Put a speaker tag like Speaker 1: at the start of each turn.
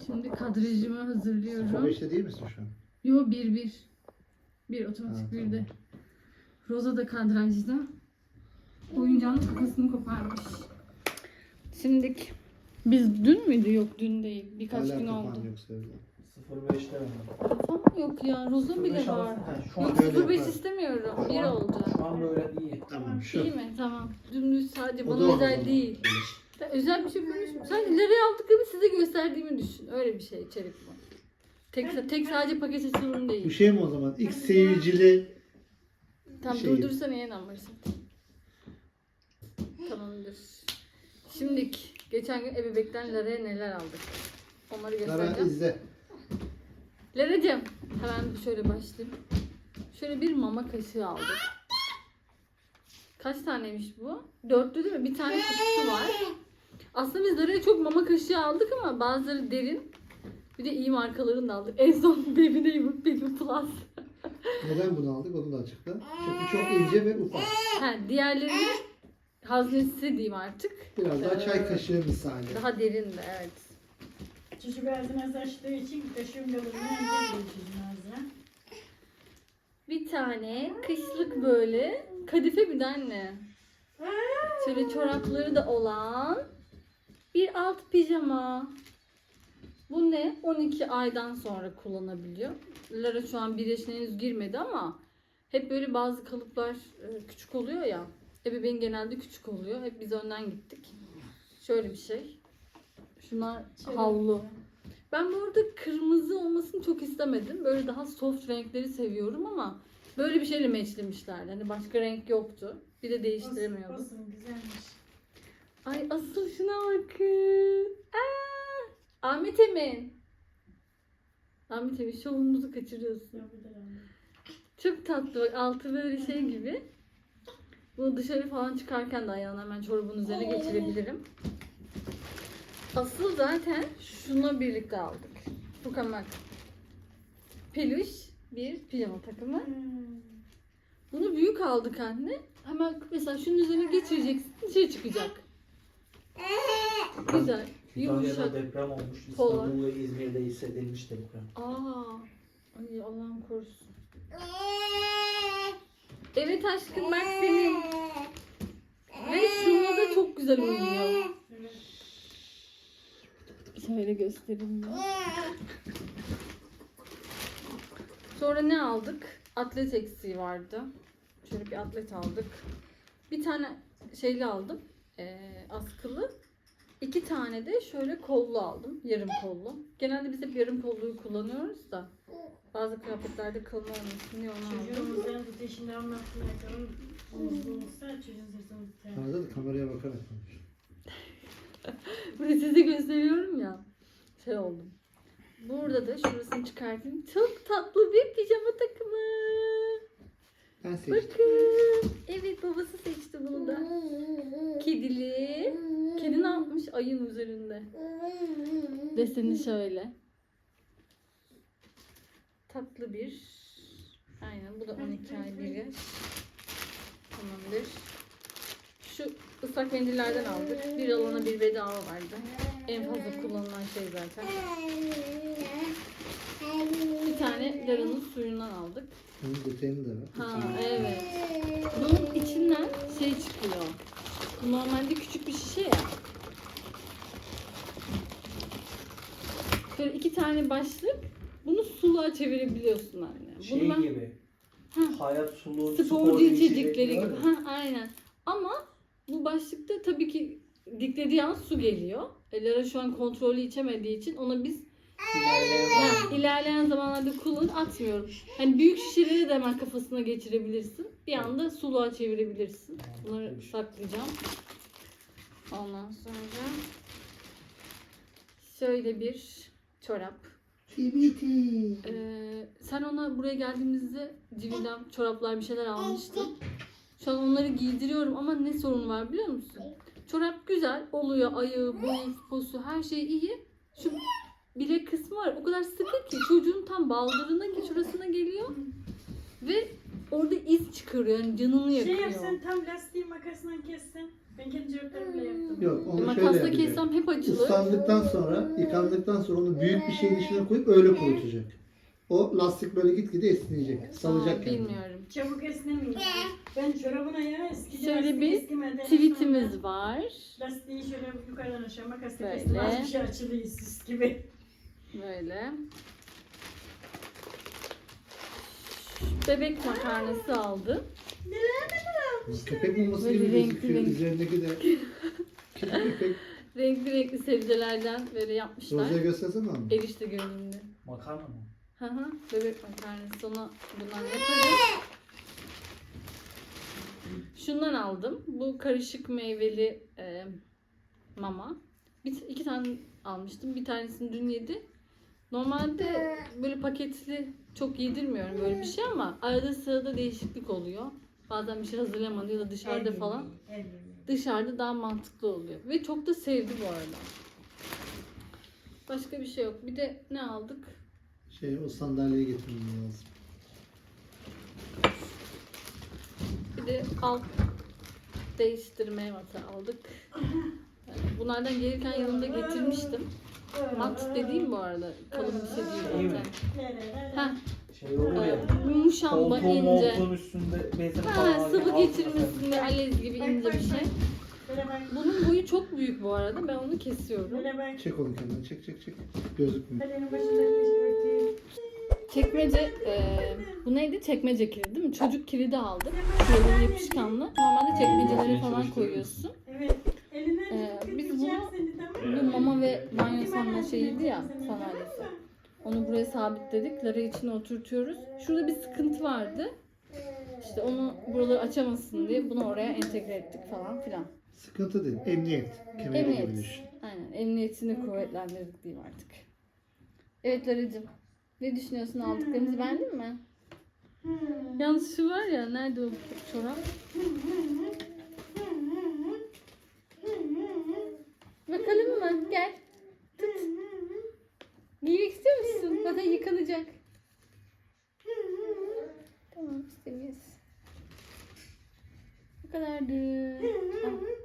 Speaker 1: Şimdi kadrajımı hazırlıyorum.
Speaker 2: 05'te değil misin şu an?
Speaker 1: Yo 1-1. Bir otomatik
Speaker 2: Ha,
Speaker 1: bir de.
Speaker 2: tamam.
Speaker 1: Roza da kadrajda. Oyuncağın kafasını koparmış. Şimdi biz dün müydü? Yok dün değil. Birkaç
Speaker 2: Hala
Speaker 1: gün
Speaker 2: kafan
Speaker 1: oldu.
Speaker 2: yoksa evde.
Speaker 3: 05'te mi?
Speaker 1: Kafam yok ya. Roza bile
Speaker 3: 05
Speaker 1: var.
Speaker 3: alırsın. Ha, şu an
Speaker 1: Yok
Speaker 2: öyle
Speaker 1: 05
Speaker 2: yapar.
Speaker 1: istemiyorum.
Speaker 3: Şu
Speaker 1: 1
Speaker 3: an-
Speaker 1: oldu.
Speaker 3: Şu an böyle iyi.
Speaker 2: Tamam şu.
Speaker 1: İyi mi? Tamam. Dümdüz sadece
Speaker 2: O
Speaker 1: bana
Speaker 2: da
Speaker 1: özel
Speaker 2: oldu.
Speaker 1: değil. Ben özel bir şey konuşmuyorum. Sadece nereye aldıklarımı size gösterdiğimi düşün. Öyle bir şey içerik bu. Tek sadece paket açılımı
Speaker 2: Bu
Speaker 1: değil.
Speaker 2: şey mi o zaman? X seyircili
Speaker 1: Tam
Speaker 2: şey-
Speaker 1: durdursana yeniden başlat. Tamamdır. Şimdi geçen gün ebebekten Lara'ya neler aldık? Onları
Speaker 2: Lara
Speaker 1: göstereceğim.
Speaker 2: izle.
Speaker 1: Lara'cığım hemen şöyle başlayayım. Şöyle bir mama kaşığı aldık. Kaç taneymiş bu? 4'lü değil mi? Bir tane kutusu var. Aslında biz Lara'ya çok mama kaşığı aldık ama bazıları derin. Bir de iyi markalarını da aldık. En son Baby Neighbor Baby Plus.
Speaker 2: Neden bunu aldık onu da açıkla. Çünkü çok ince ve ufak.
Speaker 1: Diğerlerinin haznesi diyeyim artık.
Speaker 2: Biraz daha çay kaşığı misali.
Speaker 1: Daha derin de evet.
Speaker 4: Çocuk ağzına açtığı için kaşığın yolunu önce çocuğun ağzına.
Speaker 1: Bir tane kışlık böyle kadife bir de anne. Şöyle çorapları da olan bir alt pijama. Bu ne? 12 aydan sonra kullanabiliyor. Lara şu an 1 yaşına henüz girmedi ama hep böyle bazı kalıplar küçük oluyor ya. Ebeveyn genelde küçük oluyor. Hep biz önden gittik. Şöyle bir şey. Şunlar havlu. Ben bu arada kırmızı olmasını çok istemedim. Böyle daha soft renkleri seviyorum ama böyle bir şeyle matchlemişlerdi. Hani başka renk yoktu. Bir de değiştiremiyordum.
Speaker 4: Olsun güzelmiş.
Speaker 1: Ay asıl şuna bakın. Ahmet Emin. Ahmet Emin şovumuzu kaçırıyorsun. Çok tatlı bak altı böyle şey gibi. Bunu dışarı falan çıkarken de ayağını hemen çorabın üzerine geçirebilirim. Asıl zaten şuna birlikte aldık. Fukamak. Peluş bir pijama takımı. Bunu büyük aldık anne. Hemen mesela şunun üzerine geçireceksin dışarı çıkacak. Güzel.
Speaker 3: Kütahya'da
Speaker 1: Yumuşak.
Speaker 3: deprem olmuş.
Speaker 1: Polar.
Speaker 3: İstanbul ve İzmir'de hissedilmiş deprem.
Speaker 1: Ay Allah'ım korusun. Evet aşkım bak senin. Ve şununla da çok güzel uyuyor. Şöyle göstereyim ya. Sonra ne aldık? Atlet eksiği vardı. Şöyle bir atlet aldık. Bir tane şeyli aldım. Askılı. 2 tane de şöyle kollu aldım. Yarım kollu. Genelde biz hep yarım kolluyu kullanıyoruz da. Bazı kıyafetlerde kalın olmasın diye onu aldım.
Speaker 4: Çocuğumuzdan ateşini anlattığına kadar omuzlu olsa çocuğun sırtını tutar.
Speaker 2: Arada da kameraya bakarak konuş.
Speaker 1: Bunu size gösteriyorum ya. Şey oldum. Burada da şurasını çıkartayım. Çok tatlı bir pijama takımı.
Speaker 2: Ben seçtim.
Speaker 1: Bakın. Evet babası seçti bunu da. Kedili. Kedi ne yapmış? Ayın üzerinde. Deseni şöyle. Tatlı bir. Aynen bu da 12 ay bir yaş. Tamamdır. Şu ıslak mendillerden aldık. Bir alana bir bedava vardı. En fazla kullanılan şey zaten. Bir tane Lara'nın suyundan aldık.
Speaker 2: Bunun detayını da ver.
Speaker 1: Ha evet. Bunun içinden şey çıkıyor. Bu normalde küçük bir şişe ya. Böyle 2 tane başlık. Bunu suluğa çevirebiliyorsun anne.
Speaker 3: Şey
Speaker 1: Bunu ben
Speaker 3: gibi.
Speaker 1: Hı.
Speaker 3: Hayat sulu,
Speaker 1: sporcu içecekleri gibi.
Speaker 3: gibi.
Speaker 1: Ha aynen. Ama bu başlıkta tabii ki diklediği an su geliyor. Lara şu an kontrollü içemediği için ona biz ilerleyen zamanlarda kullanıp atmıyorum. Hani büyük şişeleri de hemen kafasına geçirebilirsin. Bir anda suluğa çevirebilirsin. Bunları saklayacağım. Ondan sonra şöyle bir çorap.
Speaker 2: TBT.
Speaker 1: Sen ona buraya geldiğimizde Civil'den çoraplar bir şeyler almıştın. Şu an onları giydiriyorum ama ne sorun var biliyor musun? Çorap güzel oluyor. Ayağı, boyu, posu her şey iyi. Şu bilek kısmı var. O kadar sıkı ki çocuğun tam baldırına şurasına geliyor. Ve orada iz çıkarıyor. Yani canını yakıyor.
Speaker 4: Şey yapsan tam lastiği makasla kessen. Ben kendi çocuklarımla yaptım.
Speaker 2: Yok onu şöyle
Speaker 1: Makasla
Speaker 2: yapacak.
Speaker 1: kessem hep açılır.
Speaker 2: Islandıktan sonra, yıkandıktan sonra onu büyük bir şeyin içine koyup öyle kurutacak. O lastik böyle gitgide esneyecek. Salacak
Speaker 1: Aa,
Speaker 2: kendini.
Speaker 1: bilmiyorum.
Speaker 4: Çabuk esnemiyor. Ben çorabına ya eski
Speaker 1: Şöyle
Speaker 4: lastik
Speaker 1: bir
Speaker 4: eskimeden
Speaker 1: tweetimiz
Speaker 4: sonra
Speaker 1: var.
Speaker 4: Lastiği şöyle yukarıdan aşağı makasla
Speaker 1: Böyle.
Speaker 4: kestim. Az bir şey açılıyor süs gibi.
Speaker 1: Böyle. Bebek makarnası aldım.
Speaker 2: Köpek maması
Speaker 1: Böyle
Speaker 2: gibi
Speaker 1: renkli
Speaker 2: gözüküyor.
Speaker 1: renkli.
Speaker 2: Üzerindeki de köpek.
Speaker 1: Renkli renkli sebzelerden böyle yapmışlar.
Speaker 2: Roza'ya göstersene abi.
Speaker 1: Erişte görünümlü.
Speaker 3: Makarna mı?
Speaker 1: Hı hı. Bebek makarnası. Ona bundan yaparız. Şundan aldım. Bu karışık meyveli mama. İki tane almıştım. Bir tanesini dün yedi. Normalde böyle paketli çok yedirmiyorum böyle bir şey ama arada sırada değişiklik oluyor. Bazen bir şey hazırlamadı ya da dışarıda falan. Dışarıda daha mantıklı oluyor. Ve çok da sevdi bu arada. Başka bir şey yok. Bir de ne aldık?
Speaker 2: O sandalyeyi getirmem lazım.
Speaker 1: Bir de alt değiştirme matı aldık. Bunlardan gelirken yanımda getirmiştim. Mat dediğim bu arada. Kalın bir şey değil zaten. Heh,
Speaker 3: Şey olur ya.
Speaker 1: muşamba
Speaker 3: Koltuğun
Speaker 1: ince.
Speaker 3: moltuğun üstünde bezir
Speaker 1: Ha,
Speaker 3: falan.
Speaker 1: sıvı
Speaker 3: altına
Speaker 1: geçirmesinde
Speaker 3: sen-
Speaker 1: alez gibi ince bir şey.
Speaker 4: Böyle bak.
Speaker 1: Bunun boyu çok büyük bu arada. Ben onu kesiyorum.
Speaker 4: Böyle bak.
Speaker 2: Çek onu kenara. Çek. Gözükmüyor.
Speaker 4: Kalenin başındaki örtüyü.
Speaker 1: Çekmece, bu neydi? Çekmece kilidi değil mi? Çocuk kilidi aldık. Şöyle yapışkanlı. Normalde çekmecelere falan koyuyorsun.
Speaker 4: Evet. Elinden
Speaker 1: Biz
Speaker 4: tutacağım
Speaker 1: bunu-
Speaker 4: seni, tamam
Speaker 1: Bu
Speaker 4: mı?
Speaker 1: mama ve banyo sanma
Speaker 4: Hemen
Speaker 1: şeyiydi ya,
Speaker 4: seni,
Speaker 1: sandalyesi.
Speaker 4: tamam mı?
Speaker 1: Onu buraya sabitledik. Lara içine oturtuyoruz. Şurada bir sıkıntı vardı. İşte onu buraları açamasın diye bunu oraya entegre ettik falan filan.
Speaker 2: Sıkıntı değil. Emniyet. Kemeri
Speaker 1: Emniyet.
Speaker 2: gibi düşün.
Speaker 1: Aynen. Emniyetini kuvvetlendirdik diyeyim artık. Evet Lara'cığım. Ne düşünüyorsun, aldıklarımızı beğendin mi? Yalnız şu var ya, nerede o çorap? Bakalım mı? Gel. Tut. Giymek istiyor musun? Bak yıkanacak. Tamam, istemiyoruz. Bu kadardı. Al.